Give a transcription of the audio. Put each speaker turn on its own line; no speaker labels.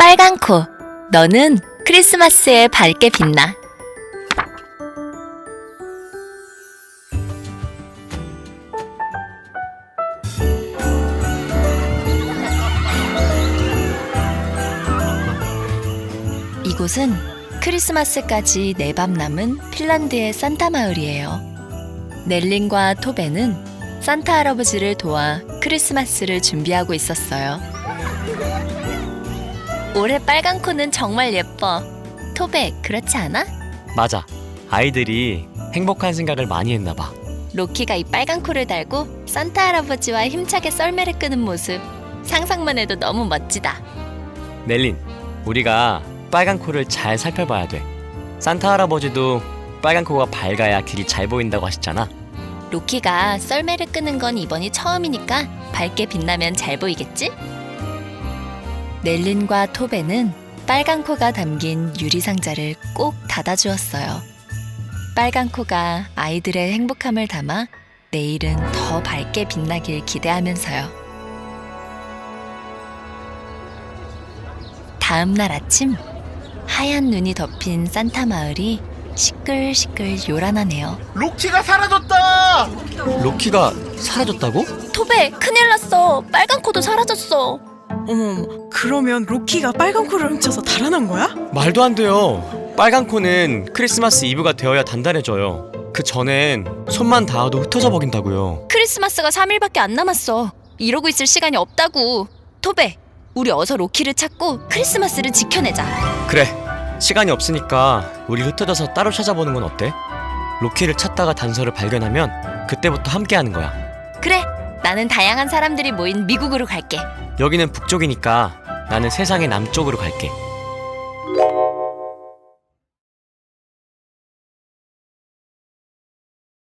빨간 코, 너는 크리스마스에 밝게 빛나. 이곳은 크리스마스까지 4밤 남은 핀란드의 산타 마을이에요. 넬린과 토베는 산타 할아버지를 도와 크리스마스를 준비하고 있었어요. 올해 빨간 코는 정말 예뻐. 토베, 그렇지 않아?
맞아. 아이들이 행복한 생각을 많이 했나 봐.
로키가 이 빨간 코를 달고 산타 할아버지와 힘차게 썰매를 끄는 모습, 상상만 해도 너무 멋지다.
넬린, 우리가 빨간 코를 잘 살펴봐야 돼. 산타 할아버지도 빨간 코가 밝아야 길이 잘 보인다고 하셨잖아.
로키가 썰매를 끄는 건 이번이 처음이니까 밝게 빛나면 잘 보이겠지? 넬린과 토베는 빨간 코가 담긴 유리상자를 꼭 닫아주었어요. 빨간 코가 아이들의 행복함을 담아 내일은 더 밝게 빛나길 기대하면서요. 다음 날 아침, 하얀 눈이 덮인 산타 마을이 시끌시끌 요란하네요.
로키가 사라졌다!
로키가 사라졌다고?
토베, 큰일 났어. 빨간 코도 사라졌어.
어머, 그러면 로키가 빨간 코를 훔쳐서 달아난 거야?
말도 안 돼요. 빨간 코는 크리스마스 이브가 되어야 단단해져요. 그 전엔 손만 닿아도 흩어져 버린다고요.
크리스마스가 3일밖에 안 남았어. 이러고 있을 시간이 없다고. 토베, 우리 어서 로키를 찾고 크리스마스를 지켜내자.
그래, 시간이 없으니까 우리 흩어져서 따로 찾아보는 건 어때? 로키를 찾다가 단서를 발견하면 그때부터 함께하는 거야.
그래, 나는 다양한 사람들이 모인 미국으로 갈게.
여기는 북쪽이니까 나는 세상의 남쪽으로 갈게.